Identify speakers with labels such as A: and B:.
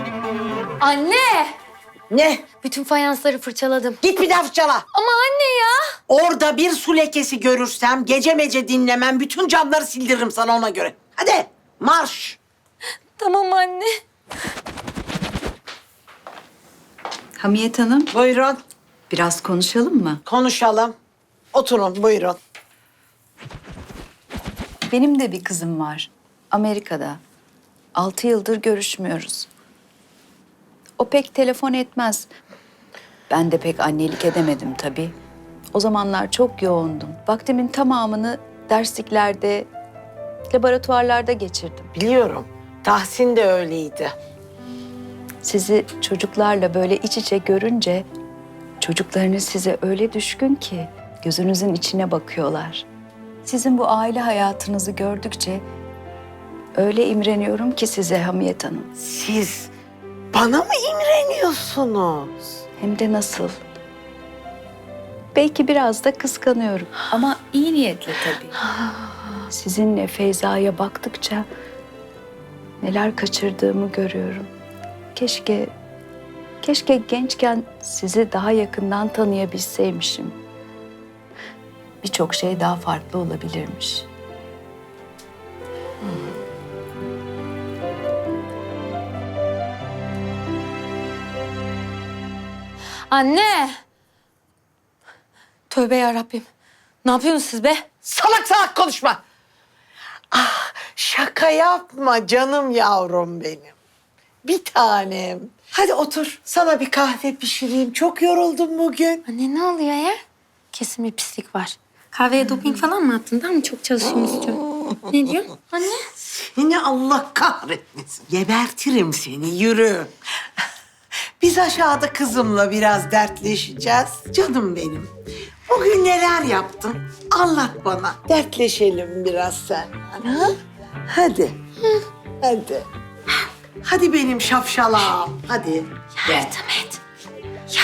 A: Anne!
B: Ne?
A: Bütün fayansları fırçaladım.
B: Git bir daha fırçala.
A: Ama anne ya!
B: Orada bir su lekesi görürsem gece mece dinlemem. Bütün camları sildiririm sana ona göre. Hadi marş.
A: Tamam anne.
C: Hamiyet Hanım,
B: Buyurun
C: biraz konuşalım mı?
B: konuşalım. Oturun buyurun.
C: Benim de bir kızım var. Amerika'da. 6 yıldır görüşmüyoruz. O pek telefon etmez. Ben de pek annelik edemedim tabii. O zamanlar çok yoğundum. Vaktimin tamamını dersliklerde, laboratuvarlarda geçirdim.
B: Biliyorum. Tahsin de öyleydi.
C: Sizi çocuklarla böyle iç içe görünce çocuklarınız size öyle düşkün ki gözünüzün içine bakıyorlar. Sizin bu aile hayatınızı gördükçe öyle imreniyorum ki size Hamiyet Hanım.
B: Siz bana mı imreniyorsunuz?
C: Hem de nasıl? Belki biraz da kıskanıyorum ama iyi niyetle tabii. Sizinle Feyza'ya baktıkça neler kaçırdığımı görüyorum. Keşke gençken sizi daha yakından tanıyabilseymişim. Birçok şey daha farklı olabilirmiş.
A: Anne! Tövbe yarabbim. Ne yapıyorsunuz siz be?
B: Salak salak konuşma. Ah şaka yapma canım yavrum benim. Bir tanem. Hadi otur. Sana bir kahve pişireyim. Çok yoruldum bugün.
A: Anne ne oluyor ya? Kesin bir pislik var. Kahveye doping falan mı attın? Daha mı çok çalışıyorsun? Ne diyorsun anne?
B: Yine Allah kahretmesin. Gebertirim seni. Yürü. Biz aşağıda kızımla biraz dertleşeceğiz. Canım benim. Bugün neler yaptın? Anlat bana. Dertleşelim biraz seninle. Ha? Hadi. Hadi. Hadi benim şapşalam. Hadi.
A: Yardım et.